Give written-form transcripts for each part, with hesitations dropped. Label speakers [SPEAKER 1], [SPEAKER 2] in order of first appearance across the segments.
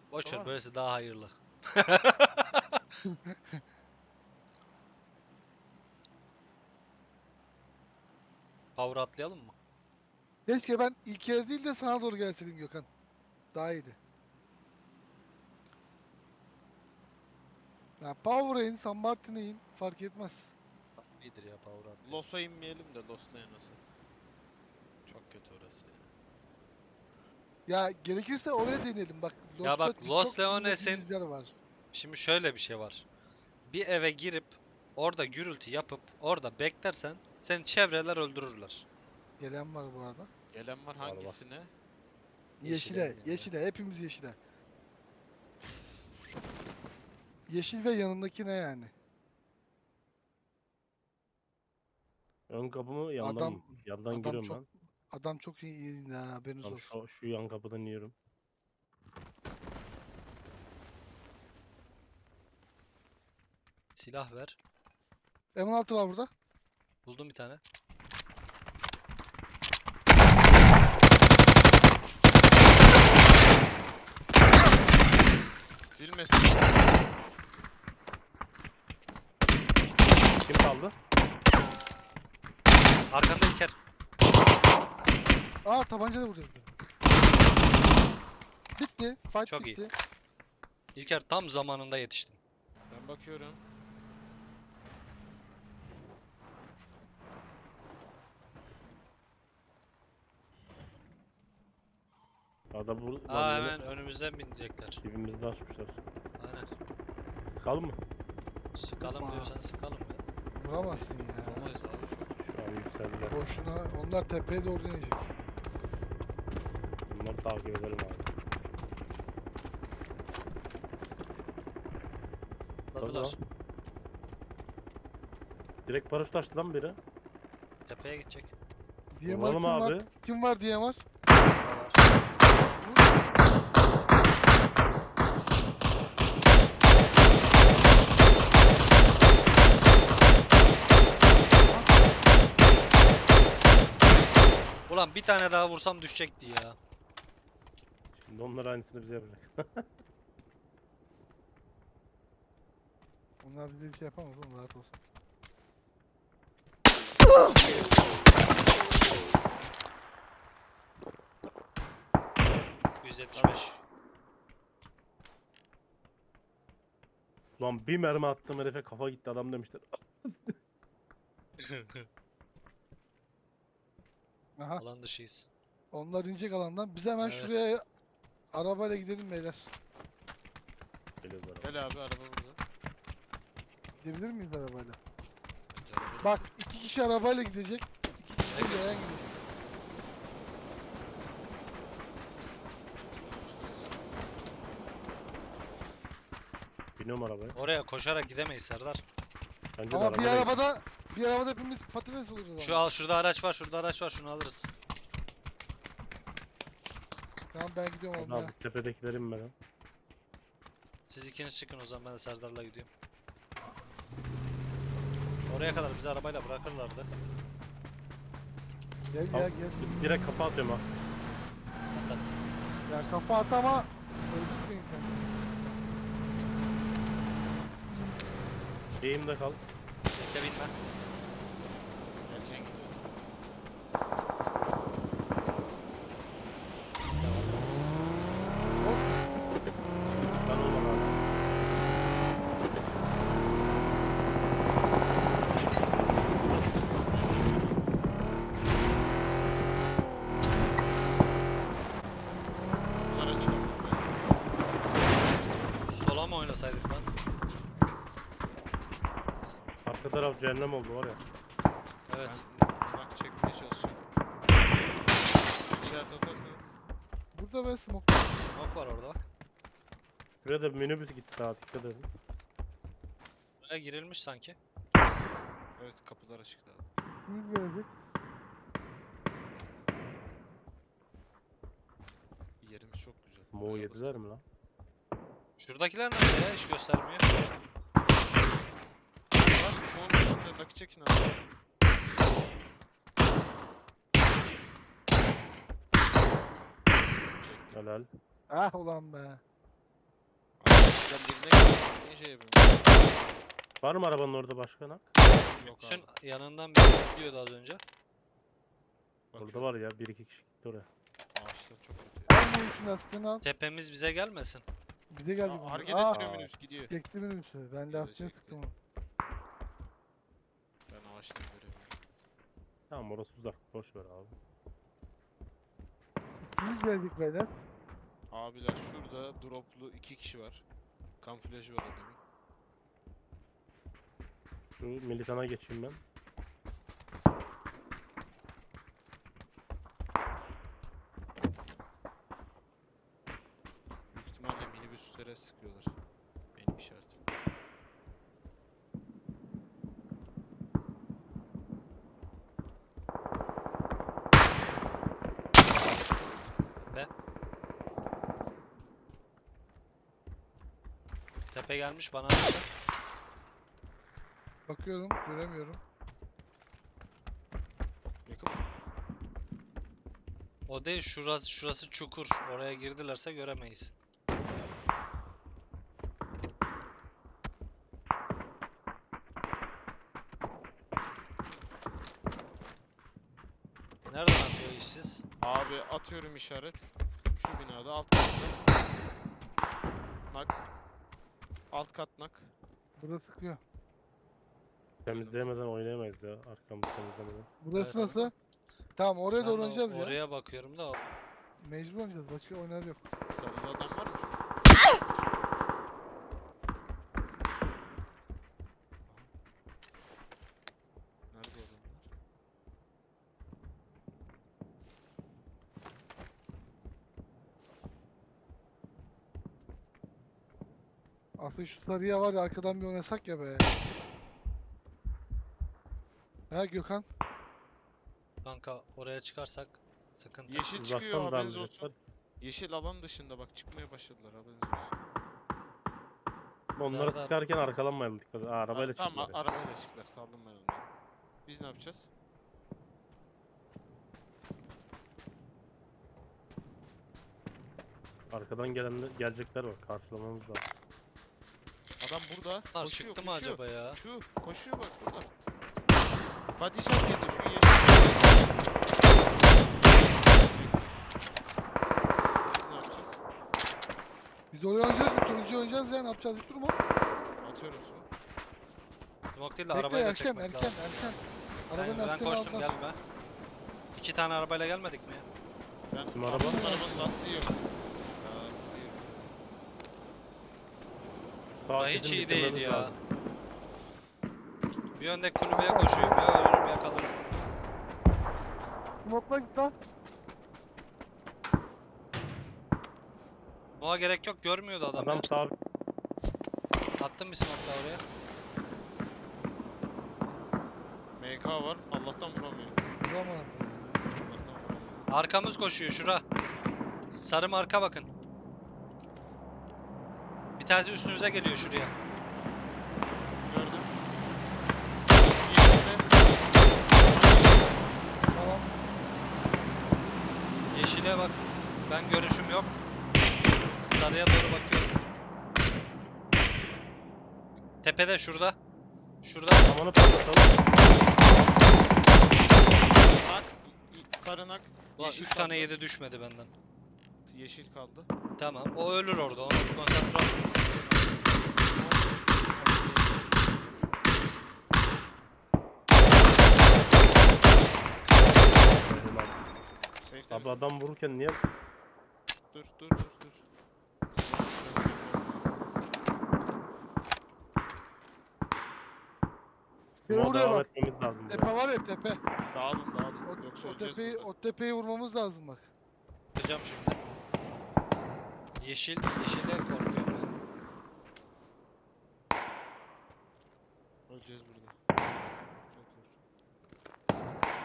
[SPEAKER 1] Boş ver,
[SPEAKER 2] Tamam.
[SPEAKER 1] böylesi daha hayırlı. Power atlayalım mı?
[SPEAKER 2] Keşke ben ilk yer değil de sana doğru gelseydim Gökhan. Daha iyiydi. Ya Power'a in, San Martin'e in. Fark etmez.
[SPEAKER 1] İyidir ya, power atlayalım.
[SPEAKER 3] Los'a inmeyelim de Los'ta nasıl? Çok kötü orası ya.
[SPEAKER 2] Ya gerekirse oraya deneyelim. Bak
[SPEAKER 1] Ya
[SPEAKER 2] Lost'ta
[SPEAKER 1] bak, Los
[SPEAKER 2] çok
[SPEAKER 1] Leones'in
[SPEAKER 2] bilmediğimiz yer var.
[SPEAKER 1] şimdi şöyle bir şey var. Bir eve girip orada gürültü yapıp orada beklersen seni çevreler öldürürler.
[SPEAKER 2] Gelen var bu arada.
[SPEAKER 3] Gelen var
[SPEAKER 4] Var.
[SPEAKER 3] hangisine?
[SPEAKER 1] Yeşile
[SPEAKER 2] Yeşile,
[SPEAKER 1] eminim ya.
[SPEAKER 2] yeşile. Hepimiz yeşile. Yeşil ve yanındaki ne yani?
[SPEAKER 4] Ön kapı mı yandan
[SPEAKER 2] Adam
[SPEAKER 4] mı? Yandan
[SPEAKER 2] adam
[SPEAKER 4] giriyorum
[SPEAKER 2] çok
[SPEAKER 4] ben.
[SPEAKER 2] adam çok iyi ya, haberiniz
[SPEAKER 4] Tamam
[SPEAKER 2] olsun.
[SPEAKER 4] şu yan kapıdan yiyorum.
[SPEAKER 1] Silah ver.
[SPEAKER 2] M16 var burada.
[SPEAKER 1] Buldum bir tane.
[SPEAKER 3] Silmesin.
[SPEAKER 4] Kim kaldı?
[SPEAKER 1] Arkanda İlker.
[SPEAKER 2] Aa tabanca da burada. Bitti. Fight
[SPEAKER 1] Çok iyi.
[SPEAKER 2] bitti.
[SPEAKER 1] İlker tam zamanında yetiştin.
[SPEAKER 3] Ben bakıyorum.
[SPEAKER 4] Ada bu
[SPEAKER 1] Aa,
[SPEAKER 4] lan
[SPEAKER 1] hemen önümüzden binecekler.
[SPEAKER 4] dibimizde açmışlar.
[SPEAKER 1] Aynen.
[SPEAKER 4] Sıkalım mı?
[SPEAKER 1] Sıkalım
[SPEAKER 2] Yapma.
[SPEAKER 1] diyorsan sıkalım ya.
[SPEAKER 2] Vuramazsın ya.
[SPEAKER 3] Olmaz abi çok.
[SPEAKER 4] Şu an yükseldiler.
[SPEAKER 2] Boşuna onlar tepeye doğru inecek.
[SPEAKER 4] Bunları takip edelim abi.
[SPEAKER 1] Atladılar.
[SPEAKER 4] Direkt paraşüt açtı lan biri.
[SPEAKER 1] Tepeye gidecek.
[SPEAKER 2] DMR
[SPEAKER 4] Vuralım
[SPEAKER 2] kim var?
[SPEAKER 4] abi.
[SPEAKER 2] Kim var DMR?
[SPEAKER 1] Ulan bir tane daha vursam düşecekti ya.
[SPEAKER 4] Şimdi onlar aynısını bize yapacak.
[SPEAKER 2] Onlar bize bir şey yapamaz oğlum, rahat olsun.
[SPEAKER 1] %75.
[SPEAKER 4] Ulan bir mermi attım herife kafa gitti adam demişler.
[SPEAKER 2] Aha.
[SPEAKER 1] Alan dışıyız.
[SPEAKER 2] Onlar inecek alandan. Biz hemen
[SPEAKER 1] Evet.
[SPEAKER 2] şuraya arabayla gidelim beyler.
[SPEAKER 4] Geliyoruz araba.
[SPEAKER 3] Gel abi araba burada.
[SPEAKER 2] Gidebilir miyiz arabayla?
[SPEAKER 3] Araba-
[SPEAKER 2] Bak 2 kişi arabayla gidecek. 2 kişi yayan gidecek.
[SPEAKER 4] Biniyorum arabaya.
[SPEAKER 1] Oraya koşarak gidemeyiz Serdar.
[SPEAKER 4] Bence de
[SPEAKER 2] Ama bir
[SPEAKER 4] arabayla
[SPEAKER 2] arabada hepimiz patates oluruz o zaman.
[SPEAKER 1] Şurada araç var, şurada araç var, şunu alırız.
[SPEAKER 2] Tamam ben gidiyorum
[SPEAKER 4] gidelim.
[SPEAKER 2] olmaya.
[SPEAKER 4] Abi tepedekileri inmeden.
[SPEAKER 1] Siz ikiniz çıkın o zaman, ben de Serdar'la gidiyorum. Oraya kadar bizi arabayla bırakırlardı.
[SPEAKER 2] Gel
[SPEAKER 4] Al.
[SPEAKER 2] gel gel.
[SPEAKER 4] Direkt kafa atıyorum ha.
[SPEAKER 1] Atlat.
[SPEAKER 2] Ya kafa at ama öldürmeyin kendini.
[SPEAKER 4] Eğimde kal.
[SPEAKER 1] Bekle, binme.
[SPEAKER 3] Erken gidiyor.
[SPEAKER 4] Ben olmam abi.
[SPEAKER 3] Bunlara çıkalım.
[SPEAKER 1] Şu sola mı oynasaydık lan?
[SPEAKER 4] Arka taraf cehennem oldu var ya.
[SPEAKER 1] Evet.
[SPEAKER 3] Bak çekmeye çalışacağım. İşaret atarsanız.
[SPEAKER 2] Burada ben smoke.
[SPEAKER 1] Smoke var orada bak.
[SPEAKER 4] Şuraya da bir minibüs gitti daha dikkat edin.
[SPEAKER 1] Buraya girilmiş sanki.
[SPEAKER 3] Evet kapılar açıktı abi.
[SPEAKER 2] Kim gelecek?
[SPEAKER 3] Yerimiz çok güzel.
[SPEAKER 4] Smoke'u
[SPEAKER 3] Buraya
[SPEAKER 4] yediler mi lan?
[SPEAKER 1] Şuradakiler nerede ya? Hiç göstermiyor.
[SPEAKER 3] Bak spawn üstünde nakı çekin abi. Çektim.
[SPEAKER 4] Helal.
[SPEAKER 2] Ah ulan be.
[SPEAKER 3] Sen birine gidiyorsun. Niye şey yapıyorsun?
[SPEAKER 4] Var mı arabanın orada başka nak?
[SPEAKER 3] Yok
[SPEAKER 1] Sen
[SPEAKER 3] abi.
[SPEAKER 1] yanından biri gidiyordu az önce.
[SPEAKER 4] Orada var ya 1-2 kişi gitti oraya.
[SPEAKER 3] Ağaçlar çok kötü ya.
[SPEAKER 2] Al bu işin aslını al.
[SPEAKER 1] Tepemiz bize gelmesin.
[SPEAKER 2] Bize geldi
[SPEAKER 3] Aa,
[SPEAKER 2] bunlar.
[SPEAKER 3] hareket
[SPEAKER 2] Aa,
[SPEAKER 3] ettiriyor minibüs gidiyor.
[SPEAKER 2] çekti minibüsü. Ben
[SPEAKER 3] Bizi
[SPEAKER 2] de aslını
[SPEAKER 3] çekti.
[SPEAKER 2] sıktım onu.
[SPEAKER 3] Ben ağaçtan göremiyorum.
[SPEAKER 4] Tamam orası uzak. Boş ver abi.
[SPEAKER 2] Biz geldik beyler.
[SPEAKER 3] Abiler şurada droplu 2 kişi var. Kamuflajı var adamın.
[SPEAKER 4] Şu militana geçeyim ben.
[SPEAKER 3] Büyük ihtimalle minibüslere sıkıyorlar. Benim işaretim.
[SPEAKER 1] Tepe gelmiş bana. Bakıyor.
[SPEAKER 2] Bakıyorum, göremiyorum.
[SPEAKER 3] Yakın mı?
[SPEAKER 1] O değil, şurası çukur. Oraya girdilerse göremeyiz. Nereden atıyor işsiz?
[SPEAKER 3] Abi atıyorum işaret. Şu binada alt katta. Nak. Alt kat nak.
[SPEAKER 2] Burada sıkıyor.
[SPEAKER 4] Temizleyemeden oynayamayız ya. Arkamızı temizlemeden.
[SPEAKER 2] Burası
[SPEAKER 1] Evet.
[SPEAKER 2] nasıl? Tamam oraya
[SPEAKER 1] Şu
[SPEAKER 2] doğru
[SPEAKER 1] anda
[SPEAKER 2] oynayacağız ya.
[SPEAKER 1] Oraya bakıyorum da
[SPEAKER 2] Mecbur oynayacağız. Başka oynar yok.
[SPEAKER 3] Sarıda adam var mı şu an? Nerede adamlar?
[SPEAKER 2] Aslında şu sarıya var ya arkadan bir oynasak ya be. He Gökhan.
[SPEAKER 1] kanka oraya çıkarsak sıkıntı.
[SPEAKER 3] Yeşil çıkıyor
[SPEAKER 4] Uzaktan
[SPEAKER 3] haberiniz
[SPEAKER 4] darlayacaklar.
[SPEAKER 3] olsun. Yeşil alan dışında bak çıkmaya başladılar haberiniz olsun.
[SPEAKER 4] Onları
[SPEAKER 1] Nerede?
[SPEAKER 4] sıkarken arkalanmayalım dikkat et. Aa, arabayla
[SPEAKER 3] Tamam
[SPEAKER 4] çıktılar.
[SPEAKER 3] arabayla çıktılar saldım ben onları. Biz ne yapacağız?
[SPEAKER 4] Arkadan gelecekler var. Karşılamamız lazım.
[SPEAKER 3] Adam burada
[SPEAKER 1] Bunlar
[SPEAKER 3] koşuyor
[SPEAKER 1] çıktı mı
[SPEAKER 3] koşuyor.
[SPEAKER 1] acaba ya?
[SPEAKER 3] Şu koşuyor bak burada. Body shot yedi şu yeşil. Biz ne yapacağız?
[SPEAKER 2] Biz oraya oynayacağız mı? Turuncu oynayacağız ya. Ne yapacağız? Hiç durma.
[SPEAKER 3] Atıyorum su.
[SPEAKER 1] Smoke değil de
[SPEAKER 2] Bekle
[SPEAKER 1] arabayı da
[SPEAKER 2] erken
[SPEAKER 1] çekmek
[SPEAKER 2] erken
[SPEAKER 1] lazım.
[SPEAKER 2] erken.
[SPEAKER 1] Ben
[SPEAKER 2] Arabanın lastiğini
[SPEAKER 1] koştum
[SPEAKER 2] aldılar.
[SPEAKER 1] gelme. 2 tane arabayla gelmedik mi ya?
[SPEAKER 3] Ben
[SPEAKER 4] Bizim
[SPEAKER 3] araba?
[SPEAKER 4] araba-
[SPEAKER 3] Arabanın lastiği yok. Lastiği yok.
[SPEAKER 4] Sağ
[SPEAKER 1] Ya hiç
[SPEAKER 4] kesim
[SPEAKER 1] iyi değil
[SPEAKER 4] bitirmemiz
[SPEAKER 1] ya.
[SPEAKER 4] lazım.
[SPEAKER 1] Bir öndeki kulübeye koşuyorum ya ölürüm ya kalırım.
[SPEAKER 2] Smoke'la git lan.
[SPEAKER 1] Buna gerek yok görmüyordu adam,
[SPEAKER 4] Adam
[SPEAKER 1] ya.
[SPEAKER 4] sağ
[SPEAKER 1] Attım bir smoke daha oraya.
[SPEAKER 3] MK var. Allah'tan vuramıyor.
[SPEAKER 2] Vuramaz.
[SPEAKER 3] Allah'tan vuramıyor.
[SPEAKER 1] Arkamız koşuyor şura. Sarı marka bakın. Bir tanesi üstünüze geliyor şuraya.
[SPEAKER 3] Gördüm. Yeşilde.
[SPEAKER 2] Tamam.
[SPEAKER 1] Yeşile bak. Ben görüşüm yok. Sarıya doğru bakıyorum. Tepede şurada. Şurada.
[SPEAKER 4] Amanı patlatalım.
[SPEAKER 3] Nak. Sarı nak.
[SPEAKER 1] Ulan
[SPEAKER 3] Yeşil
[SPEAKER 1] 3 tane
[SPEAKER 3] kaldı.
[SPEAKER 1] 7 düşmedi benden.
[SPEAKER 3] Yeşil kaldı.
[SPEAKER 1] Tamam. O ölür orada. Ona bir konsantre ol.
[SPEAKER 3] Safe
[SPEAKER 4] Abi
[SPEAKER 3] temiz.
[SPEAKER 4] adam vururken niye
[SPEAKER 3] Dur.
[SPEAKER 2] Şuraya
[SPEAKER 4] smoke'a devam
[SPEAKER 2] bak.
[SPEAKER 4] etmemiz lazım.
[SPEAKER 2] Tepe var ya tepe.
[SPEAKER 3] Dağılın.
[SPEAKER 2] O,
[SPEAKER 3] Yoksa
[SPEAKER 2] o
[SPEAKER 3] öleceğiz
[SPEAKER 2] tepeyi
[SPEAKER 3] burada.
[SPEAKER 2] o tepeyi vurmamız lazım bak.
[SPEAKER 1] Yapacağım şimdi. Yeşile korkuyorum ben.
[SPEAKER 3] Öleceğiz burada. Çok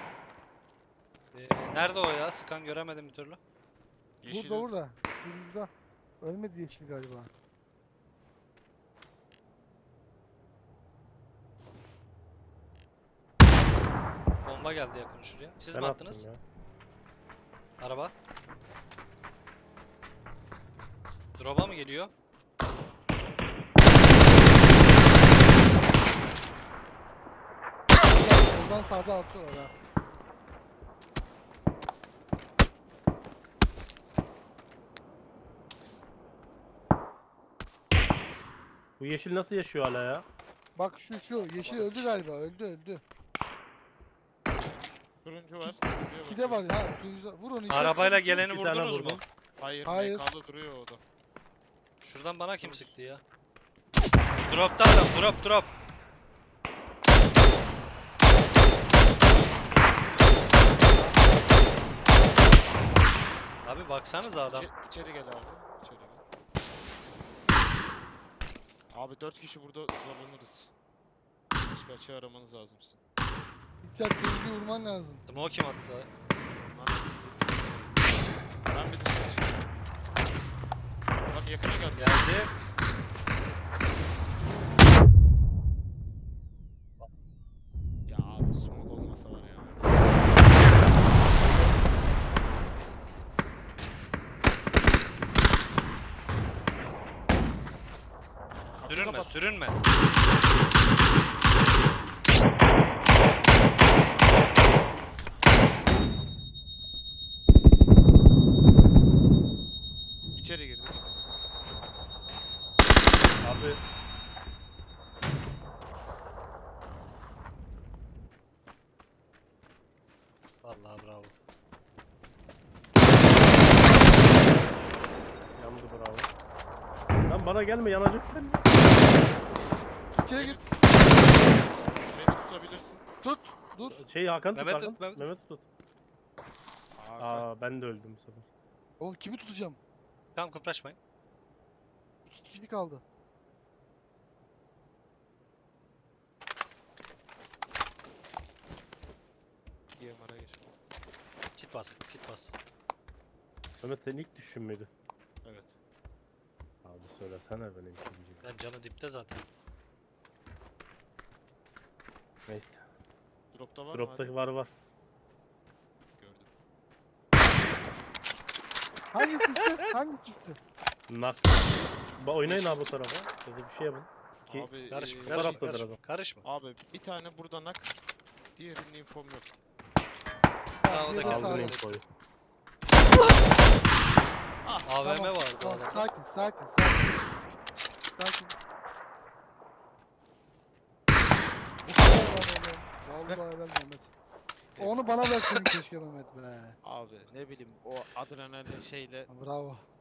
[SPEAKER 3] zor.
[SPEAKER 1] Nerede o ya? Sıkan göremedim bir türlü.
[SPEAKER 3] Yeşil
[SPEAKER 2] Burada. Burada. Ölmedi yeşil galiba.
[SPEAKER 1] Bomba geldi yakın şuraya. Siz
[SPEAKER 4] ben
[SPEAKER 1] mi
[SPEAKER 4] attım
[SPEAKER 1] attınız?
[SPEAKER 4] ya.
[SPEAKER 1] Araba. Drop'a mı geliyor?
[SPEAKER 2] soldan sağda atıyorlar ha.
[SPEAKER 4] Bu yeşil nasıl yaşıyor hala ya?
[SPEAKER 2] Bak şu yeşil öldü galiba, öldü.
[SPEAKER 3] Turuncu var. Turuncuya
[SPEAKER 2] İki de var
[SPEAKER 3] bakıyorum.
[SPEAKER 2] ya. Vur onu. iki
[SPEAKER 1] Arabayla
[SPEAKER 2] atıyor.
[SPEAKER 1] geleni
[SPEAKER 4] Bir tane
[SPEAKER 1] vurdunuz mu?
[SPEAKER 4] vurdum.
[SPEAKER 3] Hayır,
[SPEAKER 2] Hayır.
[SPEAKER 3] MK'da duruyor o da.
[SPEAKER 1] Şuradan bana kim
[SPEAKER 3] Dur.
[SPEAKER 1] sıktı ya? Drop'ta adam, drop. Abi baksanıza adam.
[SPEAKER 3] İçeri gel abi. İçeri gel. Abi 4 kişi burada zorlanırız. Başka açı aramanız lazım sizin.
[SPEAKER 2] İki turuncuyu vurman lazım.
[SPEAKER 1] Smoke kim attı?
[SPEAKER 3] Lan, ben bir dışarı çıkayım. Adam yakına geldi.
[SPEAKER 1] Geldi.
[SPEAKER 3] Ya abi smoke olmasa var ya. Kapıyı
[SPEAKER 1] Sürünme,
[SPEAKER 3] kapat.
[SPEAKER 1] sürünme.
[SPEAKER 3] İçeri girdi.
[SPEAKER 4] Abi
[SPEAKER 1] Vallahi bravo.
[SPEAKER 4] yandı bravo. Lan bana gelme yanacak ben.
[SPEAKER 2] İçeri gir.
[SPEAKER 3] Beni tutabilirsin.
[SPEAKER 2] Tut. Dur.
[SPEAKER 4] Şey Hakan
[SPEAKER 1] Mehmet
[SPEAKER 4] tut
[SPEAKER 1] tut,
[SPEAKER 4] Hakan.
[SPEAKER 1] Mehmet
[SPEAKER 4] Mehmet tut.
[SPEAKER 3] Abi,
[SPEAKER 4] Aa ben de öldüm bu sefer.
[SPEAKER 2] Oğlum kimi tutacağım?
[SPEAKER 1] Tamam kıpraşmayın.
[SPEAKER 2] 2 kişi kaldı.
[SPEAKER 3] DMR'a gir.
[SPEAKER 1] Kit bas, kit bas.
[SPEAKER 4] Mehmet senin ilk düşüşün müydü?
[SPEAKER 3] Evet.
[SPEAKER 4] Abi söylesene benim ikinci.
[SPEAKER 1] Ben canı dipte zaten.
[SPEAKER 4] Neyse.
[SPEAKER 3] Drop'ta var mı?
[SPEAKER 4] Drop'taki
[SPEAKER 3] Hadi.
[SPEAKER 4] var.
[SPEAKER 3] Gördüm.
[SPEAKER 2] Hangi çıktı? Hangi çıktı?
[SPEAKER 4] Nak. Oynayın abi bu tarafa. Ya da bir şey yapın. Ki
[SPEAKER 3] Abi,
[SPEAKER 1] Karışma,
[SPEAKER 3] eee,
[SPEAKER 1] karışma,
[SPEAKER 4] taraftadır
[SPEAKER 1] karışma.
[SPEAKER 4] adam.
[SPEAKER 1] Karışma.
[SPEAKER 3] Abi bir tane burada nak. Diğerinin infom yok.
[SPEAKER 1] Aa, o da
[SPEAKER 2] diğeri
[SPEAKER 1] geldi.
[SPEAKER 4] Aldın
[SPEAKER 2] sağda.
[SPEAKER 4] infoyu.
[SPEAKER 3] Ah,
[SPEAKER 1] AVM
[SPEAKER 2] Tamam,
[SPEAKER 1] vardı
[SPEAKER 2] tamam,
[SPEAKER 1] adamda.
[SPEAKER 2] sakin. Sakin. Bu kadar lan oğlum. Vallahi helal Mehmet. Onu bana verseydin keşke Mehmet be.
[SPEAKER 3] abi ne bileyim o adrenalin şeyle
[SPEAKER 2] Bravo.